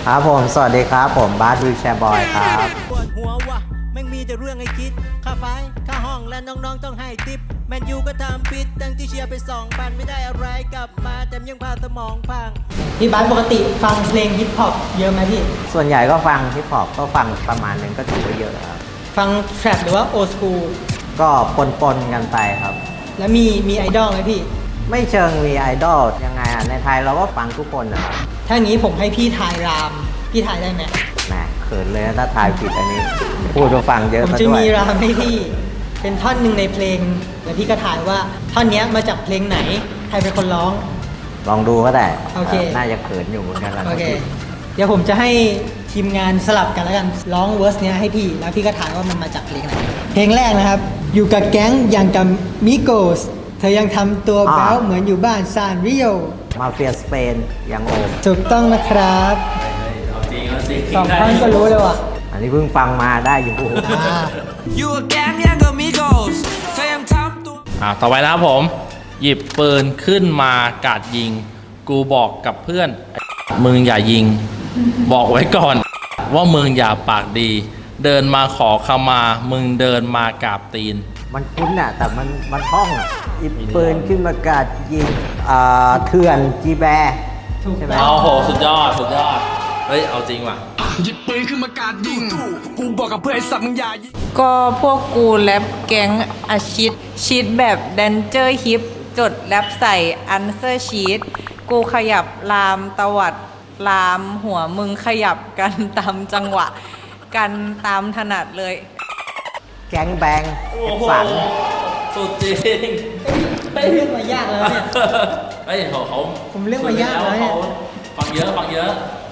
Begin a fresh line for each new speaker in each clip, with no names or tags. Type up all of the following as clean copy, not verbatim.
ครับผมสวัสดีครับผมบาสวิวแชร์บอยครับ
ปวดหัววะแม่งมีแต่เรื่องให้คิดค่าไฟค่าห้องและน้องๆต้องให้ติปแมนยูก็ทำผิดตั้งที่เชียร์ไป2,000ไม่ได้อะไรกลับมาแต่ยังพาสมองพัง
พี่บาสปกติฟังเพลงฮิปฮอปเยอะไหมพี่
ส่วนใหญ่ก็ฟังฮิปฮอปก็ฟังประมาณนึงก็ถือว่าเยอะครับ
ฟังแทร็ปหรือว่าโอสคูล
ก็ปนกันไปครับ
แล้วมีไอดอลไหมพี่
ไม่เชิงมีไอดอลยังไงในไทยเราก็ฟังทุกคนนะครับ
ถ้าอย่างนี้ผมให้พี่ทายรามพี่ทายได้ไหม
แหมเขินเลยถ้าทายผิดอันนี้พูดมาฟังเยอะ
ผมจะมีรามให้พี่เป็นท่อนหนึ่งในเพลงแล้วพี่ก็ทายว่าท่อนนี้มาจากเพลงไหนใครเป็นคนร้อง
ลองดูก็ได้
โอเค
น่าจะเขินอยู่เหมือนกัน
โอเคเดี๋ยวผมจะให้ทีมงานสลับกันแล้วกันร้องเวอร์สเนี้ยให้พี่แล้วพี่ก็ทายว่ามันมาจากเพลงไหนเพลงแรกนะครับอยู่กับแก๊งอย่างกับมิโกสเธอยังทำตัวแบ๊วเหมือนอยู่บ้านซานริโอ
มาเฟียสเปนยังโอม
ถูกต้องนะครับสองท่อนก็รู้เลยว่ะ
อันนี้เพิ่งฟังมาได้อยู่
อยู่กับแก๊งยังกับมิโกสเธอยังทำตัว
ต่อไปนะครับผมหยิบปืนขึ้นมากราดยิงกูบอกกับเพื่อนมึงอย่ายิงบอกไว้ก่อนว่ามึงอย่าปากดีเดินมาขอขมามึงเดินมากราบตีน
มันคุ้นอ่ะแต่มันท่องอ่ะหยิบปืนขึ้นมากราดยิงเถื่อนจีแบ
ใช่ไหม
โอ้โหสุดยอดเฮ้ยเอาจริงว่ะ
หยิบปืนขึ้นมากราดยิงกูบอกกับเพื่อนไอ้สัตว์มึงอย่ายิง
ก็พวกกูแรปแก๊งอาชิดแบบแดนเจอร์ฮิปจดแรปใส่อันเซอร์ชีตกูขยับลามตวัดลามหัวมึงขยับกันตามจังหวะกันตามถนัดเลย
แก๊งแบงสัน
สุดจริง
เรื่องมายากแล้วเนี่ย
เฮ้ยเขา
ผมเรื่องมายากแล้วเนี่ย
ฟังเยอะ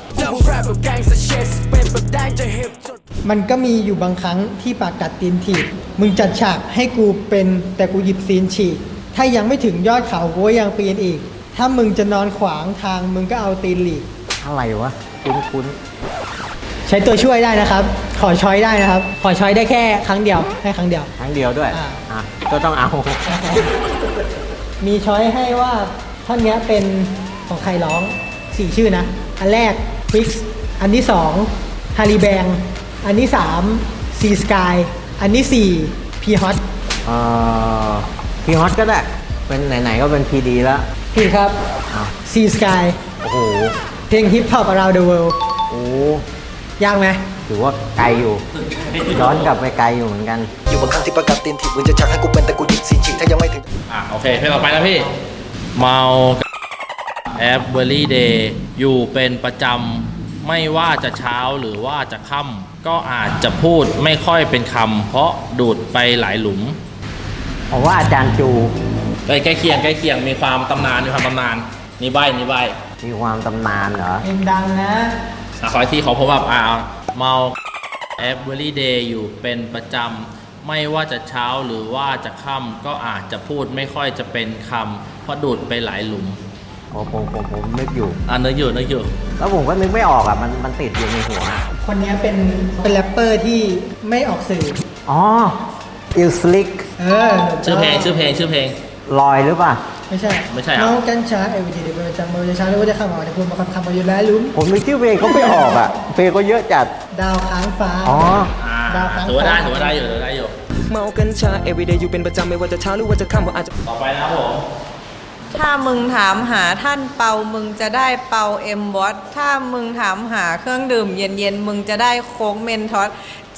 มันก็มีอยู่บางครั้งที่ปากกัดตีนถีบมึงจัดฉากให้กูเป็นแต่กูหยิบซีนฉีกถ้ายังไม่ถึงยอดเขากูยังปีนอีกถ้ามึงจะนอนขวางทางมึงก็เอาตีนหลีก
อะไรวะคุ้น
ใช้ตัวช่วยได้นะครับขอช้อยได้นะครับขอช้อยได้แค่ครั้งเดียวให้ครั้งเดียว
ด้วยก็ต้องเอา
มีช้อยให้ว่าท่อนนี้เป็นของใครร้อง4ชื่อนะอันแรกฟิกซ์อันที่2ฮาริแบงอันที่3ซีสกายอันที่4พีฮอต
พีฮอตก็ได้เป็นไหนๆก็เป็นพีดีแล้ว
พี่ครับซีสกาย
โอ้โห
เพลงฮิปฮอป around the world
โอ้
ยากไหม
ถือว่าไกลอยู่ย้อนกลับไปไกลอยู่เหมือนกัน
อยู่บางครั้งที่ประกาศตีนถีบมึงจะชักให้กูเป็นแต่กูหยิบซีนฉีกถ้ายังไม่ถึง
โอเคเพลงต่อไปนะพี่เมาแอปเบอร์รี่เดย์อยู่เป็นประจำไม่ว่าจะเช้าหรือว่าจะค่ำก็อาจจะพูดไม่ค่อยเป็นคำเพราะดูดไปหลายหลุม
ผมว่าอาจารย์จู
ใกล้เคียงมีความตำนานนี่ใบมีความ
ตำนานเหรอ
เพลงดังนะ
ขอที่เขาพบแบบเมาแอปเบอร์รี่เดย์อยู่เป็นประจำไม่ว่าจะเช้าหรือว่าจะค่ำก็อาจจะพูดไม่ค่อยจะเป็นคำเพราะดูดไปหลายหลุม
ผมนึกอยู่
นึกอยู่
แล้วผมก็นึกไม่ออกมันติดอยู่ในหัว
คนนี้เป็นแรปเปอร์ที่ไม่ออกสื่อ
อิลสลิก
ชื่อเพลง
ลอยหรือเปล่า
ไม่ใช่เมากัญชาเอวิดีเป็นประจำมือจะช้าหรือว่าจะข้ามมาแต่พูดมาคำมาอยู่แล้วลุ้ม
ผมนึกชื่อเพลงเขาไม่ออกเพลงก็เยอะจัด
ดาวค้างฟ้า
ดาวค้างฟ้าถือว่าได้อยู่
เมากัญชาเอวิดีอยู่เป็นประจำไม่ว่าจะเช้าหรือว่าจะค่ำว่าอาจจะ
ต่อไปนะครับผม
ถ้ามึงถามหาท่านเปามึงจะได้เปาเอ็มบอสถ้ามึงถามหาเครื่องดื่มเย็นมึงจะได้โค้กเมนทอส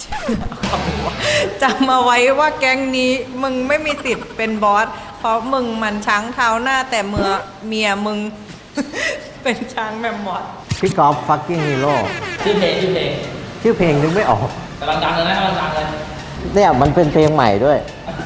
จำเอาไว้ว่าแก๊งนี้มึงไม่มีสิทธิ์เป็นบอสเพราะมึงมันช้างเท้าหน้าแต่เมียมึงเป็นช้างแมมมอส
พี่กอล์ฟฟักกิ้งฮีโร่
ชื่อเพ
ลงนึกไม่ออก
กำลังดังเลย
เนี่ยมันเป็นเพลงใหม่ด้วย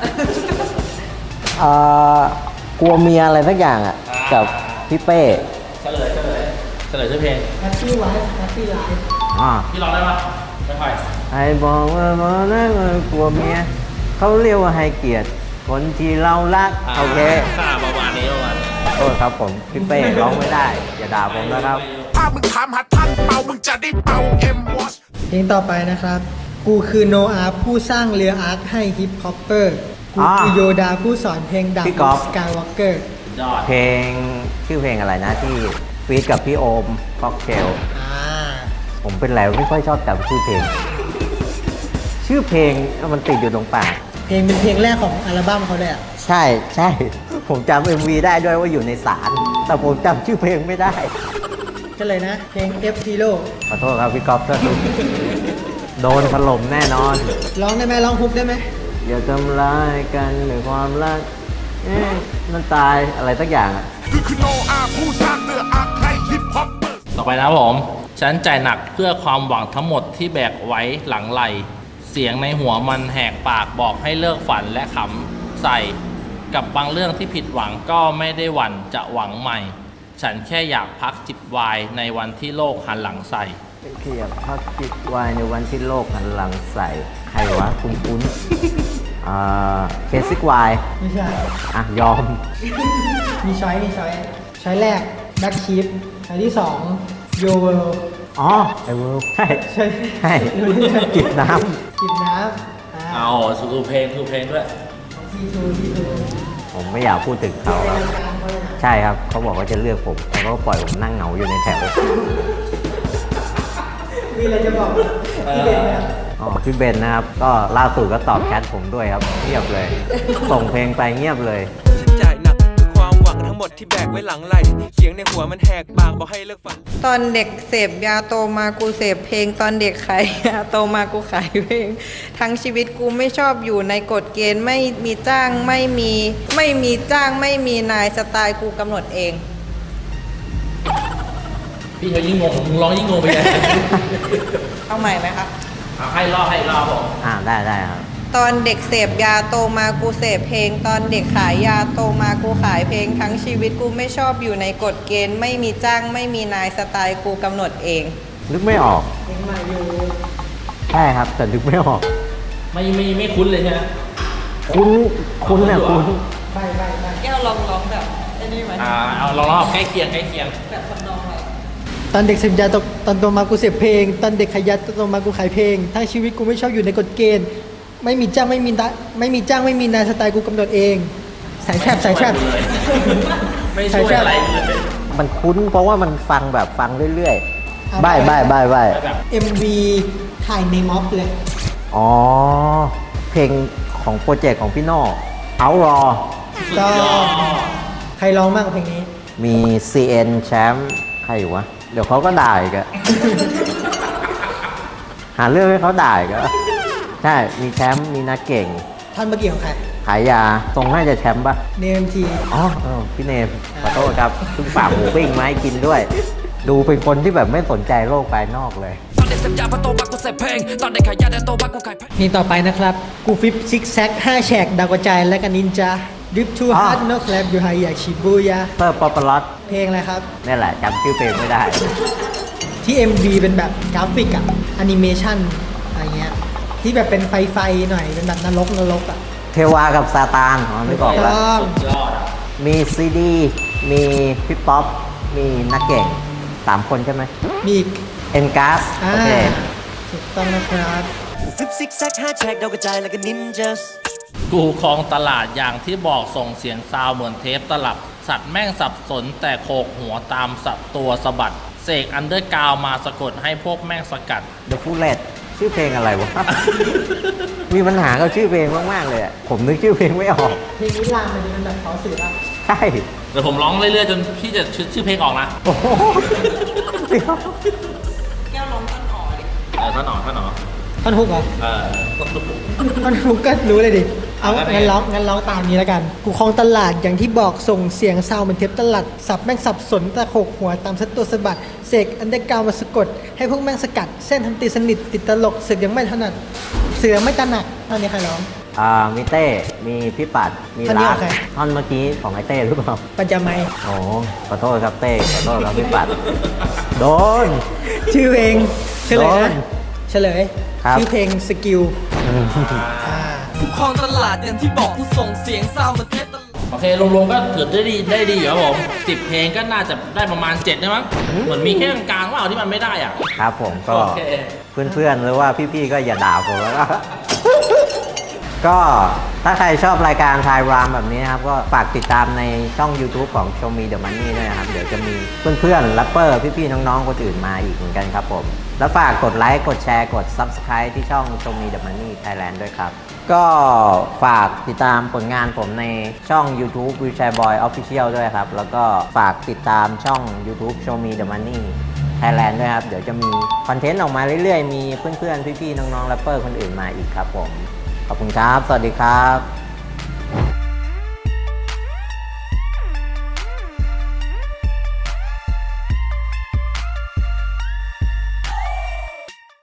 กลัวเมียอะไรสักอย่างกับพี่เป้
เฉลยชื่อเพลง
แฮปปี้ไลฟ์พี่
ร้องได้ปะไม่ค่อย
ไอ้บอกว่าอกลัวเมียเขาเรียกว่าให้เกียรติคนที่เรารักโอเค
ประมาณนี้
โทษครับผมพี่เป้ร้องไม่ได้อย่าด่าผมนะครับ
ถ้ามึงถามหาท่านเปามึงจะได้เปาเอ็มวอช
เพลงต่อไปนะครับกูคือโนอาห์ผู้สร้างเรืออาร์คให้ฮิปฮอปเปอร์กูคือโยดาผู้สอนเพลงดังสกายวอล์กเกอร์
เพลงชื่อเพลงอะไรนะที่ฟีดกับพี่โอมค็อกเทลเป็นไรไม่ค่อยชอบจำชื่อเพลง ชื่อเพลงมันติดอยู่ตรงปาก
เพลงเป็นเพลงแรกของอัลบั้มเขาเลยอ่ะ
ใช่ใช่ผมจำ MV ได้ด้วยว่าอยู่ในศาลแต่ผมจำชื่อเพลงไม่ได้
ก็เลยนะ เพลง F Zero
ขอโทษครับพี่ก๊อฟถ้าโดนถล่มแน่นอน
ร้องได้ไหมร้องฮุกได้ไหม
อย่าทำร้ายกันด้วยความรักมันตายอะไรสักอย่างอะ
คือโนอาผู้สร้างเนื้ออาใครฮิปฮอป
ต่อไปนะผม ฉันใจหนักเพื่อความหวังทั้งหมดที่แบกไว้หลังไหล เสียงในหัวมันแหกปากบอกให้เลิกฝันและขำใส่ กับบางเรื่องที่ผิดหวังก็ไม่ได้หวั่นจะหวังใหม่ ฉันแค่อยากพักจิบไวน์ในวันที่โลกหันหลังใส่
เขียบพักจิตวายในวันที่โลกหันหลังใส่ใครวะคุ้นเคสิกวาย
ไม่ใช่
อ่ะ ยอม
มีช้อยแรก Black Sheep ช้อยที่2 Your World
อ๋อ ไอเวิร์ใช่
ใช่
ใช่จิบน้
จิบน้ำ
เอาสูเพลงด้วย
T2
ำผมไม่อยากพูดถึงเขาครับใช่ครับ เขาบอกว่าจะเลือกผมแต่เขาก็ปล่อยผมนั่งเหงาอยู่ในแถว
มีอะไรจะบอกพี่เบนไหมครับ
อ๋อพี่เบนนะครับ ก็ล่าสุดก็ตอบแชทผมด้วยครับ เงียบเลย ส่งเพลงไปเงียบเลย
ฉันจ่ายหนักคือความหวังทั้งหมดที่แบกไว้หลังไหลเสียงในหัวมันแหกปากบอกให้เลิกฝัน
ตอนเด็กเสพยาโตมากูเสพเพลง ตอนเด็กขายยาโตมากูขายเพลง ทั้งชีวิตกูไม่ชอบอยู่ในกฎเกณฑ์ไม่มีจ้างไม่มีจ้างไม่มีนายสไตล์กูกำหนดเอง
พี่เขายิ่งงงมึงร้องยิ่งงงไปเลย
เอาใหม่ไหมคะ
เอาให้รอบผม
ได้ครับ
ตอนเด็กเสพยาโตมากูเสพเพลง ตอนเด็กขายยาโตมากูขายเพลง ทั้งชีวิตกูไม่ชอบอยู่ในกฎเกณฑ์ไม่มีจ้างไม่มีนายสไตล์กูกำหนดเอง
นึกไม่ออก
เพลงใหม่อยู่
ใช่ครับ แต่นึกไม่ออก
ไม่คุ้นเลยใช่ไหม
คุ้นเนี่ยคุ้น
ไป
แก้วลองแบบไอ้นี่ไหม
เอาลองรอบใกล้เคียง
แบบทำนองอะไร
ตอนเด็กเสพยาตอนโตมากูเสพเพลง ตอนเด็กขายยาตอนโตมากูขายเพลง ทั้งชีวิตกูไม่ชอบอยู่ในกฎเกณฑ์ ไม่มีจ้างไม่มีนายสไตล์กูกำหนดเองสายแทบ
ไม่ช่วยอะไรเลย
มันคุ้นเพราะว่ามันฟังเรื่อย
เอา
ๆ
ไป
ใบ้
แบบ
MV ถ่ายในม็อบเลย
อ๋อ เพลงของโปรเจกต์ของพี่โน่เอารอ
ก็ใครร้องมากกว่าเพลงนี้
มี CN แชมป์ใครอยู่วะ เดี๋ยวเขาก็ด่าอีกอะ หาเรื่องให้เขาด่าอีกอะใช่ มีแชมป์มีนักเก่ง
ท่อนเมื่อกี้ของใคร
ขายยาตรงน่าจะแชมป์ปะ
เนมที
อ๋อพี่เนมขอโทษครับเพิ่งฝากหมูปิ้งมาให้กินด้วย ดูเป็นคนที่แบบไม่สนใจโลกภายนอกเลย
ตอนเด็กเสพยาพอโตมากูเสพเพลง ตอนเด็กขายยาแต่โตมากูขายเพลง
นี่ต่อไปนะครับ กูฟิปซิกแซก5แฉกดาวกระจายและกันนินจาดิฟทู
อ๋อ
ฮาร์ดนกแลบอยู่ไฮอยากชิบูยา
เตอร์ป๊อปปลอต
เพลงอะไรครับ
นี่แหละจำชื่อเพลงไม่ได้
ที่ MV เป็นแบบกราฟิกอะแอนิเมชันอะไรเงี้ย ที่แบบเป็นไฟหน่อย เป็นแบบนรกอะ
เทวากับซาตานอ๋อนึกออกแล้ว
ต้อง
ยอดอ่ะ
มีซีดี มีพี่ป๊อป มีนักเก่ง 3 คนใช่ไหม
มีอีก
เอ็นการ์ส
อ่า
โอเค
ถูกต้องนะครับ
ฟิปซิกแซก5แฉกดาวกระจายแล้วก็นินจา
กูครองตลาดอย่างที่บอกส่งเสียงซาวเหมือนเทปตลับ สัตว์แม่งสับสนแต่โขกหัวตามสัตว์ตัวสะบัด เสกอันเดอร์กราวมาสะกดให้พวกแม่งสกัด
The Bullet ชื่อเพลงอะไรวะ มีปัญหากับชื่อเพลงมากๆเลยอะผมนึกชื่อเพลงไม่ออก
เพลงนี้ลามมันเป็นแบบเขาสื่อป่ะ
ใช่
เดี๋ยวผมร้องเรื่อยๆจนพี่จะชื่อเพลงออกนะ
โอ้โหเดี๋ยว
แก้วร้องต้นอ่อดิ
ท่านหนอ
ท่อนฮุกเหรอ
เออ
ท่อนฮุกก็รู้เลยดิ เอา
เอาแล้วไง
งั้นร้องตามนี้แล้วกัน กูคลองตลาดอย่างที่บอกส่งเสียงซาวเหมือนเทปตลัด สับแม่งสับสนตะโขกหัวตามสัตว์ตัวสะบัด เสกอันเดอร์กราวมาสะกด ให้พวกแม่งสกัด เส้นทำตีสนิทติดตลกเสือกยังไม่ถนัดเสือไม่ตระหนักตอนนี้ใครร้อง
มีเต้ มีพี่ปัด มี
ท่อนนี้
รั
ข
ก
องใคร
ท่อนเมื่อกี้ของไอเต้หรือเปล่า
ปัญจามัย
โอ้ขอโทษครับเต้ ขอโทษครับพี่ปัด โดน
ชื่อเพลงเฉลย
โด
นะ
น
เฉลย
ครับ
ชื่อเพลงสกิล
กูครองตลาดอย่างที่บอกกูส่งเสียงซาวเหมือนเทปตลับ
โอเครวมๆก็ถือได้ดีอยู่ครับผม10 เพลงก็น่าจะได้ประมาณ7นะมั้งเหมือนมีแค่กลางๆว่าเอาที่มันไม่ได้อ่ะ
ครับผมก็
โอเค
เพื่อนๆหรือว่าพี่ๆก็อย่าด่าผมแล้วก็ก็ถ้าใครชอบรายการทายรามแบบนี้นะครับก็ฝากติดตามในช่อง YouTube ของ Show Me The Money ด้วยนะครับเดี๋ยวจะมีเพื่อนๆแรปเปอร์พี่ๆน้องๆคนอื่นมาอีกเหมือนกันครับผมแล้วฝากกดไลค์กดแชร์กด Subscribe ที่ช่อง Show Me The Money Thailand ด้วยครับก็ฝากติดตามผลงานผมในช่อง YouTube Wheelchair Boy Official ด้วยครับแล้วก็ฝากติดตามช่อง YouTube Show Me The Money Thailand ด้วยครับเดี๋ยวจะมีคอนเทนต์ออกมาเรื่อยๆมีเพื่อนๆพี่ๆน้องๆแรปเปอร์คนอื่นมาอีกครับผมขอบคุณครับสวัสดีครับ